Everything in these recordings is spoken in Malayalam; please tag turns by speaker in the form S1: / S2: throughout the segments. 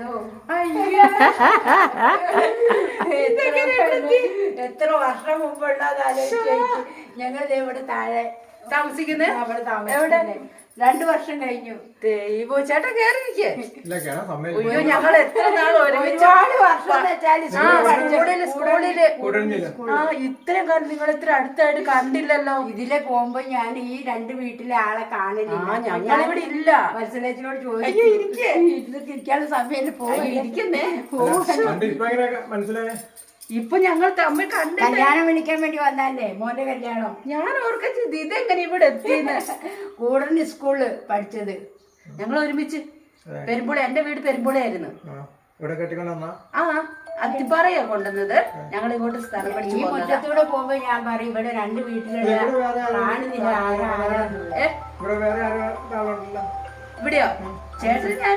S1: എത്ര വർഷം മുമ്പുള്ളതാലോചിച്ച് ഞങ്ങൾ ഇവിടെ താഴെ
S2: താമസിക്കുന്നത്.
S1: അവിടെ താമസിക്കുന്നത് 2 വർഷം കഴിഞ്ഞു.
S2: ദൈവോ ചേട്ടാ കേറിയിരിക്കേ.
S1: ഞങ്ങൾ എത്ര നാൾ ഒരുപാട് വർഷം
S2: ഇത്രയും കാലം നിങ്ങൾ ഇത്ര അടുത്തായിട്ട് കണ്ടില്ലല്ലോ.
S1: ഇതിലെ പോകുമ്പോ ഞാൻ ഈ 2 വീട്ടിലെ ആളെ കാണില്ല.
S2: ഞങ്ങളിവിടെ ഇല്ല.
S1: മത്സരത്തിനോട് ചോദിച്ചു ഇരിക്കാനുള്ള സമയം
S2: ഇരിക്കുന്നേ.
S3: മനസ്സിലായേ?
S2: ഇപ്പൊ ഞങ്ങൾ തമ്മിൽ കണ്ട
S1: കല്യാണം വിളിക്കാൻ വേണ്ടി വന്നല്ലേ മോന്റെ കല്യാണം.
S2: ഞാൻ ഓർക്കച്ചത് ഇതെങ്ങനെ ഇവിടെ എത്തിയെന്ന്.
S1: കൂടന് സ്കൂളില് പഠിച്ചത്
S2: ഞങ്ങൾ ഒരുമിച്ച് പെരുമ്പുള. എന്റെ വീട് പെരുമ്പുളയായിരുന്നു. ആ അത്തിപ്പാറയാ കൊണ്ടുവന്നത്. ഞങ്ങൾ ഇങ്ങോട്ട് സ്ഥലം പഠിച്ചു.
S1: ഈ മുറ്റത്തൂടെ പോകുമ്പോ ഞാൻ പറയും ഇവിടെ 2 വീട്ടിലുള്ള കാണുന്നില്ല
S2: ഇവിടെയോ ചേട്ടൻ ഞാൻ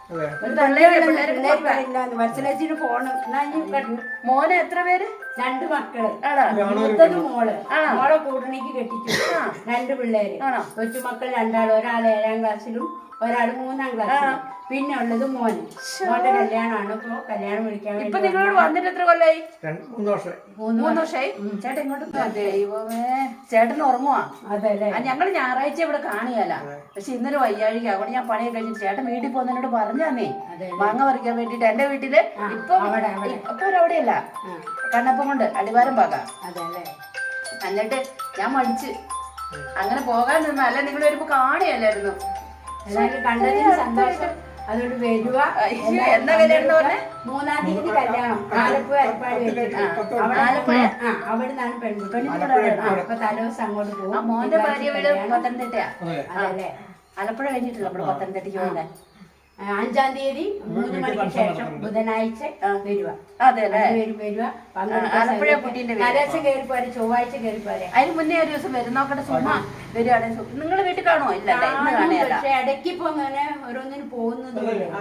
S1: മത്സരത്തിന് പോണം.
S2: മോനെ എത്ര പേര്?
S1: 2 മക്കള്. മൂത്തത് മോള്. മോളെ കൂടണിക്ക് കെട്ടിച്ചു. 2 പിള്ളേര്. കൊച്ചുമക്കൾ 2 ഒരാൾ 7ാം ക്ലാസ്സിലും ഒരാൾ 3ാം ക്ലാസ്സിലും. പിന്നെ ഉള്ളത് മോന്. മോന്റെ കല്യാണമാണ്. ഇപ്പൊ കല്യാണം വിളിക്കാൻ
S2: ഇപ്പൊ നിങ്ങളോട് വന്നിട്ട് എത്ര കൊല്ലായി?
S3: 3
S2: വർഷമായി. ചേട്ടൻ ഇങ്ങോട്ട് ദൈവമേ ചേട്ടൻ ഉറങ്ങുവാ.
S1: അതല്ലേ
S2: ഞങ്ങൾ ഞായറാഴ്ച ഇവിടെ കാണുകയല്ല. പക്ഷെ ഇന്നലെ വയ്യാഴിക. അതുകൊണ്ട് ഞാൻ പണിയൊക്കെ കഴിഞ്ഞിട്ട് ചേട്ടൻ വീട്ടിൽ പോകുന്നതിനോട് പറഞ്ഞാന്നേ മാങ്ങ പറിക്കാൻ വേണ്ടിട്ട് എന്റെ വീട്ടില്. ഇപ്പൊ അവിടെയല്ല കണ്ണപ്പം കൊണ്ട് അടിവാരം പാകാം.
S1: അതല്ലേ.
S2: എന്നിട്ട് ഞാൻ മടിച്ച് അങ്ങനെ പോകാൻ നിന്നു. അല്ല നിങ്ങൾ വരുമ്പോ കാണുകയല്ലായിരുന്നു.
S1: എല്ലാവരും കണ്ടതിന് സന്തോഷം. അതുകൊണ്ട് വരുക.
S2: എന്താ കല്യാണം പറഞ്ഞേ?
S1: 3-ാം തീയതി കല്യാണം. ആലപ്പുഴ അരിപ്പാടി വെച്ചിട്ട്. അവിടെ നിന്നാണ് പെൺകുട്ടി. അപ്പൊ തലേദിവസം അങ്ങോട്ട് പോകും.
S2: മോന്റെ ഭാര്യ വീട് പത്തനംതിട്ടയാ.
S1: അതല്ലേ.
S2: ആലപ്പുഴ കഴിഞ്ഞിട്ടില്ല നമ്മള് പത്തനംതിട്ടയ്ക്ക് പോകുന്നത്.
S1: 5-ാം തീയതി 3 മണിക്ക് ശേഷം ബുധനാഴ്ച വരുക.
S2: അതെല്ലേ.
S1: വരുക.
S2: ആലപ്പുഴ കുട്ടീന്റെ
S1: തലേദിവസം കയറി പോരെ. ചൊവ്വാഴ്ച കയറി പോരെ.
S2: അതിന് മുന്നേ ഒരു ദിവസം വരും. നോക്കട്ടെ സുമ വരുവാണെങ്കിൽ നിങ്ങൾ വീട്ടിൽ കാണുമോ? ഇല്ല ഇന്ന് കാണുകയല്ല.
S1: പക്ഷെ ഇടയ്ക്ക് ഇപ്പൊ അങ്ങനെ ഓരോന്നിനും പോകുന്നത്.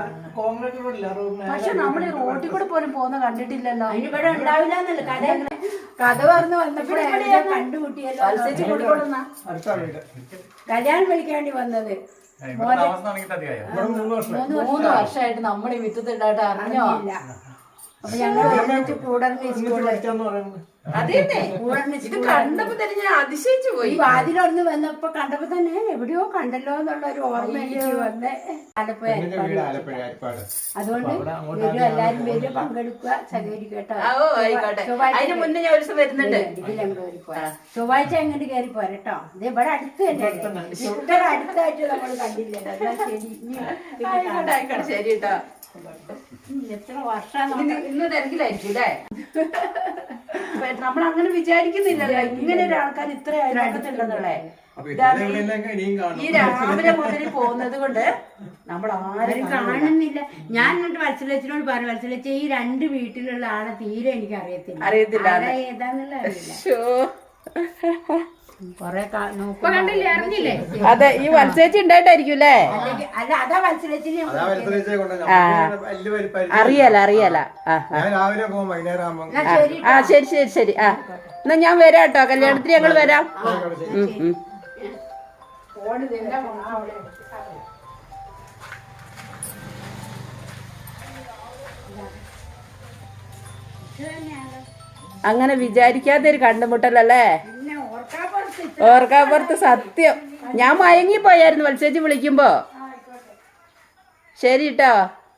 S2: പക്ഷെ നമ്മൾ ഈ റോട്ടിൽ കൂടെ പോലും പോകുന്ന കണ്ടിട്ടില്ലല്ലോ.
S1: അതിനിവിടെ ഉണ്ടാവില്ല എന്നല്ല കഥ പറഞ്ഞു വന്നപ്പോഴേ കണ്ടുമുട്ടിയല്ലോ. കല്യാണം വിളിക്കാൻ വേണ്ടി വന്നത്
S2: 3 വർഷമായിട്ട് നമ്മൾ ഈ വിത്തത്തിണ്ടായിട്ട് അറിഞ്ഞോ?
S1: അപ്പൊ ഞങ്ങൾ ഒരുമിച്ച് കൂടർന്ന്
S2: അതേന്നെ ഇത് കണ്ടപ്പോ തന്നെ ഞാൻ അതിശയിച്ചു പോയി.
S1: വാതിലൊന്ന് വന്നപ്പോ കണ്ടപ്പോ തന്നെ എവിടെയോ കണ്ടല്ലോ എന്നുള്ള ഒരു ഓർമ്മ എനിക്ക് വന്നേ. ആലപ്പുഴ. അതുകൊണ്ട് വരും, എല്ലാരും വരും, പങ്കെടുക്കുക, സഹകരിക്കുക കേട്ടോ.
S2: അതിന് മുന്നേ ഞാൻ ഒരു ദിവസം വരുന്നുണ്ട്.
S1: ചൊവ്വാഴ്ച എങ്ങോട്ട് കയറി പോരട്ടോ. ഇത് ഇവിടെ അടുത്ത് തന്നെ. ഇത്ര അടുത്തായിട്ട് നമ്മൾ കണ്ടില്ലല്ലോ.
S2: ശരി. ശരി കേട്ടോ.
S1: എത്ര വർഷം
S2: ഇന്ന് തിരക്കിലായിരിക്കും അല്ലേ? നമ്മൾ അങ്ങനെ വിചാരിക്കുന്നില്ലല്ലോ ഇങ്ങനെ ഒരു ആൾക്കാർ ഇത്ര അയൽപക്കത്തുണ്ടെന്നുള്ളേ. ഈ രാവിലെ മുതൽ പോകുന്നത് കൊണ്ട് നമ്മൾ ആരും
S1: കാണുന്നില്ല. ഞാൻ എന്നിട്ട് വത്സലച്ചിനോട് പറഞ്ഞു, വത്സലച്ച ഈ 2 വീട്ടിലുള്ള ആളെ തീരെ എനിക്ക് അറിയത്തില്ല. ഏതാന്നുള്ള അറിയില്ല.
S2: അതെ ഈ വത്സേച്ചി ഉണ്ടായിട്ടായിരിക്കും അല്ലേ?
S1: അല്ല അതാ വത്സലച്ചിനെ
S2: അറിയാല. ശരി. എന്നാ ഞാൻ വരാം കേട്ടോ. കല്യാണത്തിന് ഞങ്ങൾ വരാം. അങ്ങനെ വിചാരിക്കാത്ത ഒരു കണ്ടുമുട്ടലല്ലേ? ഓർക്കാപ്പുറത്ത് സത്യം. ഞാൻ മയങ്ങിപ്പോയായിരുന്നു വത്സേച്ചി വിളിക്കുമ്പോ. ശരി കേട്ടോ.